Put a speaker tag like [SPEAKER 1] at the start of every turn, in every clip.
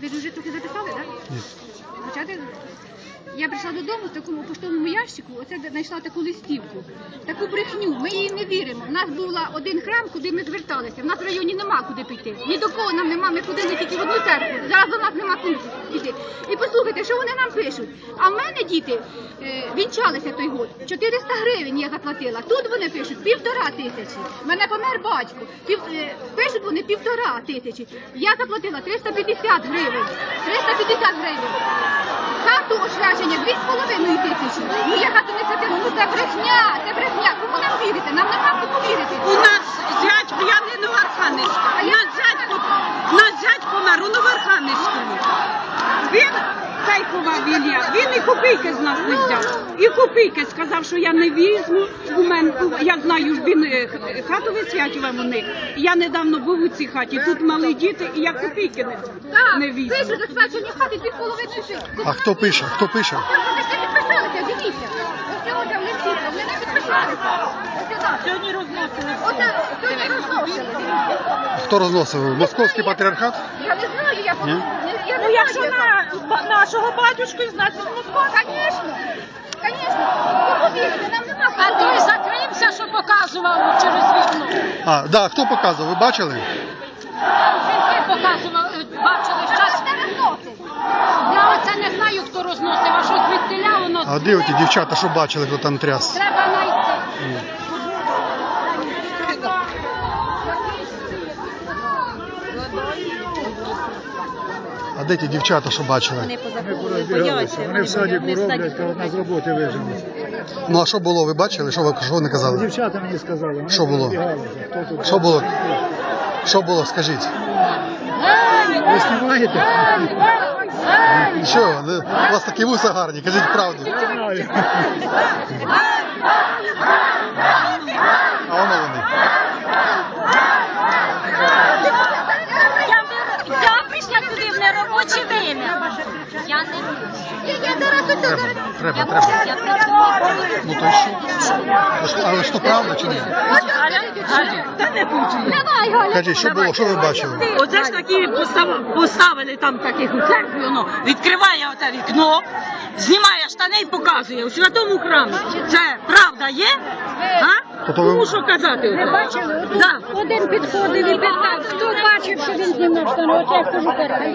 [SPEAKER 1] Ви вже трохи записали, так?
[SPEAKER 2] Ні.
[SPEAKER 1] Я прийшла додому в такому поштовому ящику, оце знайшла таку листівку, таку брехню, ми їй не віримо. У нас був один храм, куди ми зверталися, в нас в районі нема куди піти, ні до кого нам нема, ми ходили тільки в одну церкву, зараз до нас нема куди піти. І послухайте, що вони нам пишуть, а в мене діти вінчалися той год, 400 гривень я заплатила, тут вони пишуть 1500, в мене помер батько, пишуть вони 1500, я заплатила 350 гривень, 350 гривень. Хату освячення 2,5 тисячі. Ну я хату не святила, ну це брехня, це брехня. Кому нам вірити? Нам нема кому вірити.
[SPEAKER 3] У нас зять п'яний Новоархангельська. У нас зять помер у Новоархангельському. Він, Тайкова Вілля, він і копійки з нас не взяв. І копійки сказав, що я не візьму. Я знаю, що він хату висвячував у них. Я недавно був у цій хаті, тут мали діти, і я копійки не візьму.
[SPEAKER 1] Пишуть освячення хати 2,5 тисячі.
[SPEAKER 2] А хто пише? Хто пише?
[SPEAKER 1] Вони всі підписалися, дивіться. Ось цього там листі, вони не підписалися.
[SPEAKER 3] Сьогодні розносили.
[SPEAKER 1] Оце сьогодні розносили.
[SPEAKER 2] Хто розносив? Московський патріархат?
[SPEAKER 1] Я не знаю, я
[SPEAKER 2] Ні?
[SPEAKER 3] Ну якщо на нашого батюшку, значить Москва.
[SPEAKER 1] Звісно, звісно. Кому вірити? Нам нема кому.
[SPEAKER 4] А той закрився, що показував через вікно.
[SPEAKER 2] А, да, хто показував? Ви бачили?
[SPEAKER 4] Жінки показував, бачили щас. Я оце не знаю, хто розносив, а що звідтиля воно.
[SPEAKER 2] А де оті дівчата, що бачили, хто там тряс?
[SPEAKER 4] Треба знайти.
[SPEAKER 2] А де ті дівчата, що бачили?
[SPEAKER 5] Вони в садіку роблять, коли одна з роботи вижили.
[SPEAKER 2] Ну а що було, ви бачили? Що вони казали?
[SPEAKER 5] Дівчата мені сказали. Вони
[SPEAKER 2] Що було?
[SPEAKER 5] розбігалися. Хто тут?
[SPEAKER 2] Що було? Що було, скажіть?
[SPEAKER 5] Ви знімаєте?
[SPEAKER 2] Що? У вас такі вуса гарні, кажіть правду.
[SPEAKER 5] Я знаю.
[SPEAKER 2] А воно вони.
[SPEAKER 4] Я прийшла туди в неробоче время. Я не
[SPEAKER 2] Треба. Ну то й що? Але що правда чи ні? Кажіть, що було, що ви бачили?
[SPEAKER 3] Оце ж такі поставили там таких у церкві, воно відкриває оте вікно, знімає штани і показує у святому храмі. Це правда є? А?
[SPEAKER 2] Тобто ви-
[SPEAKER 3] Тому що казати?
[SPEAKER 4] Ви бачили?
[SPEAKER 3] Да.
[SPEAKER 4] Один підходив і питав, хто бачив, що він знімав штани. От я кажу,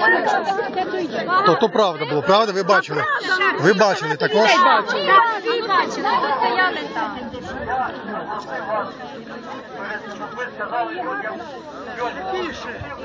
[SPEAKER 2] То правда було, правда? Ви бачили? Ви бачили також?
[SPEAKER 4] всі бачили, бо стояли там.
[SPEAKER 6] Ви сказали,